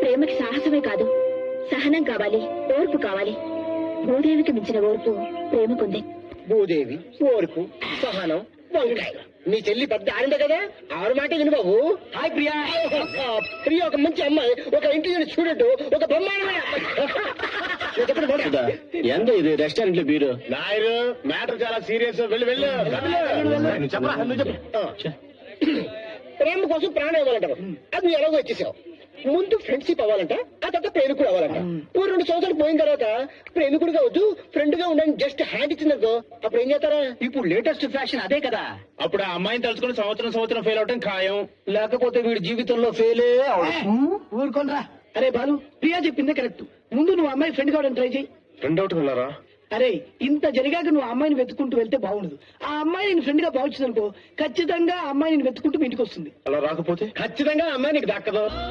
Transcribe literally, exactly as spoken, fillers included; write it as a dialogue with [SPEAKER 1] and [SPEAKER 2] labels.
[SPEAKER 1] ప్రేమకి సాహసమే కాదు, సహనం కావాలి, ఓర్పు కావాలి. భూదేవికి మించిన ఓర్పు ప్రేమకుంది.
[SPEAKER 2] భూదేవి, ఓర్పు, సహనం, వంకాయ. నీ చెల్లి పెద్ద ఆడిందే కదా, ఆరు మాట విను బాబు. హాయ్ ప్రియా. ప్రియా ఒక మంచి అమ్మాయి, ఒక ఇంటెలిజెంట్ స్టూడెంట్, ఒక బ్రహ్మాండమైన
[SPEAKER 3] ఎంత ఇది రెస్టారెంట్ లో బీరు
[SPEAKER 2] నాయరు. మ్యాటర్ చాలా సీరియస్. వెళ్ళి వెళ్ళు. ప్రేమ కోసం ప్రాణం ఇవ్వాలంటారు, అది నువ్వు ఎలాగో వచ్చేసావు. ముందు ఫ్రెండ్షిప్ అవ్వాలంట, ఆ తర్వాత ప్రేమికుడు అవ్వాలంట. ఓ రెండు సంవత్సరాలు పోయిన తర్వాత ప్రేమికుడుగా వద్దు, ఫ్రెండ్ గా ఉండని జస్ట్ హ్యాండ్ ఇచ్చిందనుకో, అప్పుడు ఏం చేస్తారా?
[SPEAKER 3] ఇప్పుడు లేటెస్ట్ ఫ్యాషన్ అదే కదా.
[SPEAKER 2] అప్పుడు ఆ అమ్మాయిని తలుచుకుని సంవత్సరం సంవత్సరం ఫెయిల్ అవటం ఖాయం.
[SPEAKER 3] లేకపోతే వీడి జీవితంలో ఫెయిలే
[SPEAKER 4] ఊరుకోనరా. అరే బాలు, ప్రియా చెప్పిందే కరెక్ట్. ముందు నువ్వు అమ్మాయి ఫ్రెండ్ కావడం ట్రై చేయి.
[SPEAKER 2] ఫ్రెండ్ అవుట్ వెళ్ళారా?
[SPEAKER 4] అరే ఇంత జరిగాక నువ్వు అమ్మాయిని వెతుకుంటూ వెళ్తే బాగుండదు. ఆ అమ్మాయి నేను ఫ్రెండ్ గా భావించిందనుకో, ఖచ్చితంగా ఆ అమ్మాయి నేను వెతుకుంటూ మీ ఇంటికి వస్తుంది.
[SPEAKER 2] అలా రాకపోతే ఖచ్చితంగా అమ్మాయి నీకు దక్కదు.